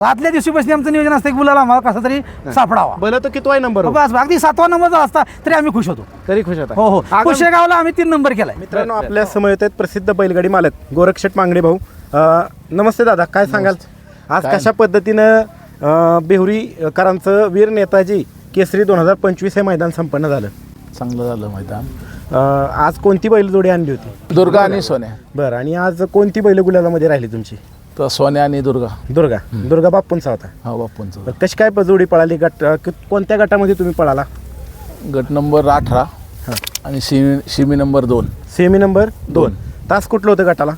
आदल्या दिवशीपासून आमचं नियोजन असतं की मुलाला आम्हाला कसा तरी सापडावा. भलं तर कितवाय नंबर हो? बस अगदी 7वा नंबर जर असता तरी आम्ही खुश होतो. तरी खुश होता. हो हो कुशेगावला आम्ही 3 नंबर केलाय. मित्रांनो आपल्या समोर येत आहेत प्रसिद्ध बैलगाडी मालक गोरक्षेट मांगडे भाऊ. नमस्ते दादा, काय सांगाल आज कशा पद्धतीनं बेहुरीकरांचं वीर नेताजी केसरी 2025 हे मैदान संपन्न झालं? चांगलं झालं मैदान. आज कोणती बैलजोडी आणली होती? दुर्गा आणि सोन्या. बरं, आणि आज कोणती बैल गुलालामध्ये राहिली तुमची? तर सोन्या आणि दुर्गा. दुर्गा बाप्पूंचा होता. हा बाप्पूंचं. बरं, कशी काय जोडी पळाली? कोणत्या गटामध्ये तुम्ही पळाला? गट नंबर 18 आणि शिमी नंबर 2. Semi number 2. तास कुठलं होतं गटाला?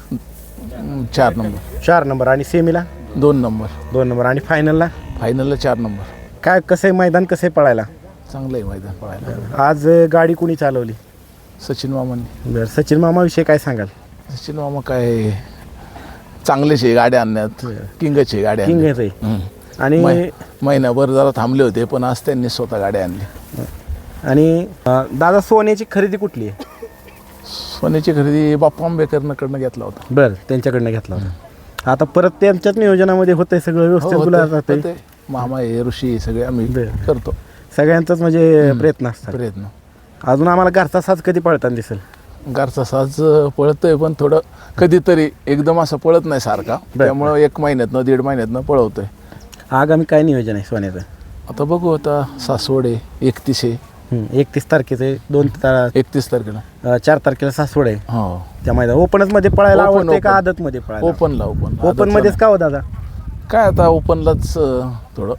4 नंबर. 4 नंबर. आणि सेमीला 2 नंबर. 2 नंबर. आणि फायनलला फायनलला 4 नंबर. काय कसं आहे मैदान, कसं आहे पळायला? चांगलं आहे मैदान पळायला. आज गाडी कुणी चालवली? सचिन मामांनी. बरं, सचिन मामाविषयी काय सांगाल? सचिन मामा काय चांगलेच आहे गाड्या आणण्यात, किंगच आहे गाड्या किंग आणण्यात. आहे. आणि महिनाभर जरा थांबले होते पण आज त्यांनी स्वतः गाड्या आणली. आणि दादा सोन्याची खरेदी कुठली आहे? सोन्याची खरेदी बाप्पा आंबेकरकडनं घेतला होता. बरं, त्यांच्याकडनं घेतला होता. आता परत त्यांच्याच नियोजनामध्ये होतंय सगळं व्यवस्थित गुलाल राहतंय. होते. मामा हे ऋषी सगळे आम्ही करतो. सगळ्यांचाच म्हणजे प्रयत्न असतात. प्रयत्न. अजून आम्हाला घरचा साज कधी पळताना दिसेल? घरचा साज पळतोय पण थोडं कधीतरी एकदम असं पळत नाही सारखा. त्यामुळं 1 महिन्यातनं 1.5 महिन्यातनं पळवतोय. आगामी काय नियोजन आहे सोन्याचं? आता बघू, आता सासवड आहे 31 आहे. 31 तारखेचं 31 तारखेला 4 तारखेला सासवड आहे. हो. त्या मैदान ओपनच मध्ये पळायला ओपन, आवडते का ओपन. आदत मध्ये पळायला? ओपनला. ओपन मध्येच का हो दादा? काय आता ओपनलाच थोडं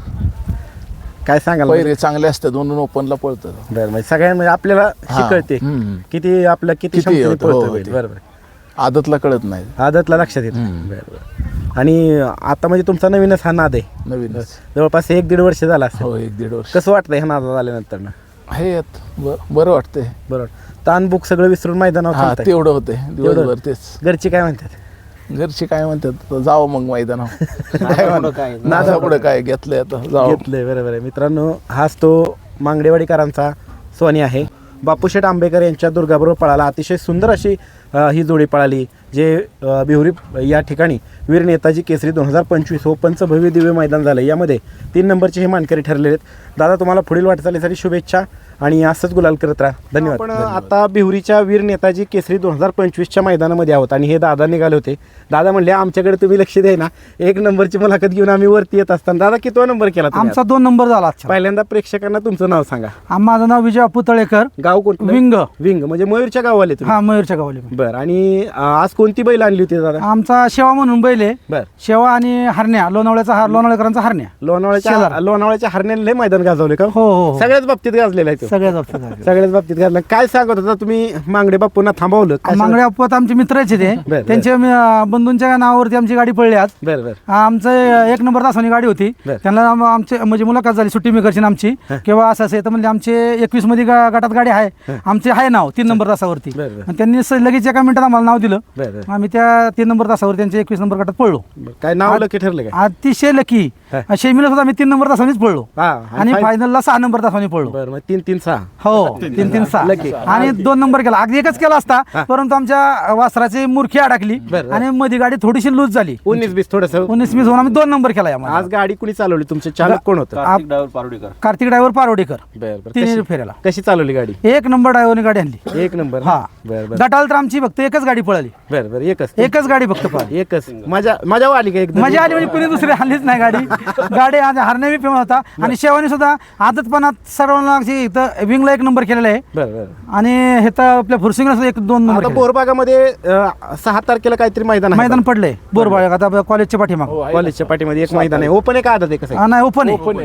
काय सांगाल? पैरे चांगले असतात म्हणून ओपनला पळतं. बरं, म्हणजे सगळ्यांमध्ये आपल्याला शिकळते किती आपल्या किती क्षमतेने होतं, हो, पळतोय बैल. ते. बरोबर. आदतला कळत नाही. आदतला लक्षात येतं. बरं. आणि आता म्हणजे तुमचा नवीनच हा नाद आहे. नवीन. जवळपास 1-1.5 वर्ष झाला असेल. हो, 1-1.5 वर्ष. कसं वाटतंय हा नाद आल्यानंतर? हे बरं वाटतंय. बरोबर. ताण बुक सगळं विसरून मैदानावर हा थांबताय. तेवढं होते दिवसभर. तेच घरची काय म्हणतात? घरची काय म्हणतात, जावं मग मैदानावर. नादा पुढे काय घेतलंय आता जावं. घेतलंय. बरोबर आहे. मित्रांनो, हाच तो मांगडेवाडीकरांचा सोनी आहे. बापूशेठ आंबेकर यांच्या दुर्गाबरोबर पळाला. अतिशय सुंदर अशी ही जोडी पळाली, जे बिहुरी या ठिकाणी वीर नेताजी केसरी 2025 ओपनचं भव्य दिव्य मैदान झालं. यामध्ये 3 नंबरचे हे मानकरी ठरलेले आहेत. दादा, तुम्हाला पुढील वाटचालीसाठी शुभेच्छा आणि असंच गुलाल करत राहा. धन्यवाद. आपण आता बिहुरीच्या वीर नेताजी केसरी 2025च्या मैदानामध्ये आहोत आणि हे दादा निघाले होते. दादा म्हणले आमच्याकडे तुम्ही लक्ष द्या ना, 1 नंबरची मुलाखत घेऊन आम्ही वरती येत असताना. दादा, कितवा नंबर केला तुम्ही? आमचा 2 नंबर झाला. पहिल्यांदा प्रेक्षकांना तुमचं नाव सांगा. माझं नाव विजय बापू तळेकर. गाव कोणतं? विंग म्हणजे मयूरच्या गावाले तुम्ही? हा, मयूरच्या गावाले. बरं. आणि आज कोणती बैल आणली होती दादा? आमचा शेवा म्हणून बैल आहे. बरं. शेवा आणि हरण्या, लोणावळेकरांचा हरण्या. लोणावळ्याच्या हरण्याला लय मैदान गाजवले का? हो हो. सगळ्याच बाबतीत गाजलेला आहे तो. सगळ्याच बाबतीत गाजला. काय सांगत होता तुम्ही? मांगडे बापूंना थांबवलं? मांगडे बापू आमचे मित्रच आहे ते. त्यांच्या बंधूंच्या नावावरती आमची गाडी पडली आज. बरं. आमचं 1 नंबर तासानी गाडी होती. त्यांना आमचे म्हणजे मुलाखत झाली सुट्टी मेकरची आमची, किंवा असं असेल तर म्हणजे आमचे 21 मध्ये गटात गाडी आहे. आमचे आहे नाव 3 नंबर तासावरती. आणि त्यांनी लगेच 1 मिनिटात आम्हाला नाव दिलं. आम्ही त्या 3 नंबर तासावर त्यांच्या 21 नंबर गटात पडलो. काय नाव लकी ठरलं काय? अतिशय लकी. शेमीला सुद्धा आम्ही 3 नंबर तासानेच पडलो आणि फायनलला 6 नंबर तासाने पडलो. बरं, 3-3-6. हो, 3-3-6 आणि 2 नंबर केला. अगदी एकच केला असता, परंतु आमच्या वासराची मुरखी अडकली आणि मध्ये गाडी थोडीशी लूज झाली. 19-20 थोडस 19-20 होऊन आम्ही 2 नंबर केला. आज गाडी कुणी चालवली? तुमचे चालक कोण होतं? कार्तिक ड्रायव्हर पारोडेकर. बरं. 3 फेऱ्याला कशी चालवली गाडी? 1 नंबर ड्रायव्हरने गाडी आणली. 1 नंबर. हा. बरं. गटाला तर आमची फक्त एकच गाडी पळाली. बरं. एकच गाडी फक्त पळाली. एकच. मजा आली का? एकदम मजा आली म्हणजे कुणी दुसरी आणलीच नाही गाडी हरण्या बी फेमस होता आणि शेवानी सुद्धा आदतपणात सर्वांना इथं विंगला 1 नंबर केलेला आहे. बरं. आणि हे तर आपल्या फुरसिंगला सुद्धा 1-2 नंबर. बोरबागामध्ये 6 तारखेला काहीतरी मैदान पडलंय बोरबाग. आता कॉलेजच्या पाठीमाग कॉलेजच्या पाठीमध्ये एक मैदान आहे. ओपन आहे का आदत आहे? कसं? नाही, ओपन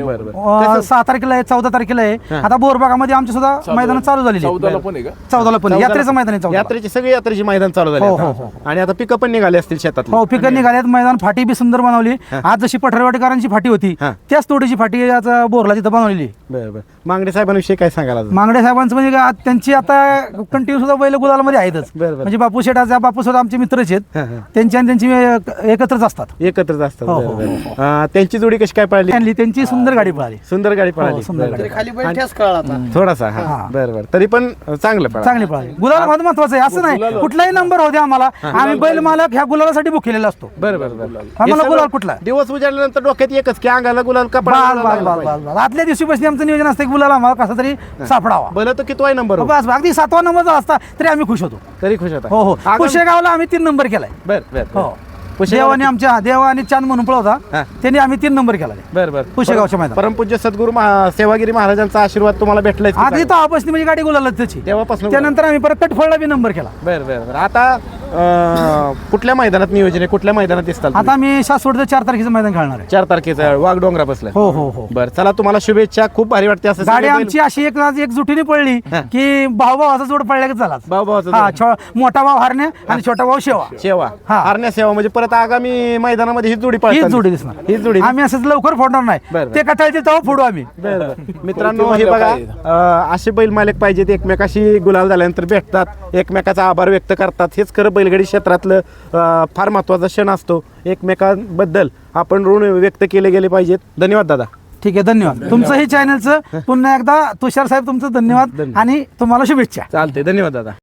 आहे. 6 तारखेला आहे, 14 तारखेला आहे. आता बोरबागामध्ये आमची सुद्धा मैदान चालू झालेली. 14ला पण आहे का? 14ला पण यात्रेचं मैदान आहे. 14ला सगळी यात्रेची मैदान चालू झाली. आणि आता पिकअप पण निघाले असतील शेतात. हो, पिकं निघाल्यात. मैदान फाटी बी सुंदर बनवली. आज जशी पठरवाडीकरांची फाटी होती त्याच तोडीची फाटी आज बोरला तिथं बनवलेली. बरं. मांगडे साहेबांविषयी काय सांगाल अजून? मांगडे साहेबांचं म्हणजे त्यांची आता कंटिन्यू सुद्धा बैल गुलालमध्ये आहेतच. बरं. म्हणजे बापू शेठाचा बापू सुद्धा आमचे मित्रच आहेत. हां, हां. त्यांची आणि त्यांची एकत्रच असतात. एकत्रच असतात. हो, बरं, हो, बरं. त्यांची जोडी कशी काय पळाली? आणली त्यांची सुंदर गाडी पळाली. सुंदर गाडी हो, पळाली. सुंदर बरं, गाडी. बरं. खाली बैल ठेस कळला आता. थोडासा हा हां. बरं तरी पण चांगलं पळालं. चांगली पळाली. गुलाल महत्वाचं आहे, असं नाही कुठलाही नंबर होते आम्हाला, आम्ही बैल मालक ह्या गुलालासाठी बुक केलेला असतो. बरं बरं बरं. आम्हाला हे सगळं गुलाल कुठला? दिवस उजाडल्यानंतर डोक्यात एकच की अंगाला गुलाल बाल बाल बाल बाल बाल. आदल्या दिवशी बसली आमचं नियोजन असतं की गुलाल आम्हाला कसा तरी सापडावा. भलं तर कितवाय नंबर हो? बस अगदी 7वा नंबर जर असता तरी आम्ही खुश होतो. तरी खुश होता. हो हो. आगामी- पुशेगावला आम्ही 3 नंबर केलाय. बर बर हो. पुशेगावला- देवाने आमच्या देवाने चांद म्हणून पळवता, हां. त्यांनी आम्ही 3 नंबर केला. बर बर. पुशेगावच्या मैदानात. परमपूज्य सद्गुरू सेवागिरी महाराजांचा आशीर्वाद तुम्हाला भेटलाय की आधी काय? तर आपसनी म्हणजे गाडी गुलालच त्याची. तेव्हापासून त्यानंतर आम्ही परत कटफळला बी नंबर केला. बर बर बर. आता कुठल्या मैदानात नियोजन आहे? कुठल्या मैदानात दिसतात? आता आम्ही शासवडचं 4 तारखेचं मैदान खेळणार आहे. 4 तारखेचा वाघ डोंगरा बसलाय. हो हो हो. बर चला तुम्हाला शुभेच्छा. खूप भारी वाटते असं गाडी सगळे बैल- आमची अशी एकजुटीने पडली हां. की भावाचा जोड पडल्या झाला. भाऊ-भावाचा हा जोड. मोठा भाव हरण्या आणि छोटा भाव शेवा. सेवा हा. हरण्या सेवा म्हणजे परत आगामी मैदानामध्ये ही जोडी हीच पळतात. जोडी दिसणार. हीच जोडी. आम्ही असंच लवकर फोडणार नाही. बरं. ते कटाळचे तेव्हा फोडू आम्ही. मित्रांनो हे बघा असे बैल मालक पाहिजेत, एकमेकाशी गुलाल झाल्यानंतर भेटतात, एकमेकाचा आभार व्यक्त करतात. हेच खरं बैलगाडी क्षेत्रातलं फार महत्त्वाचा क्षण असतो. एकमेकांबद्दल आपण ऋण व्यक्त केले गेले पाहिजेत. धन्यवाद दादा. ठीक आहे, धन्यवाद. तुमचंही चॅनलचं पुन्हा एकदा तुषार साहेब तुमचं धन्यवाद आणि तुम्हाला शुभेच्छा. चालते. धन्यवाद दादा.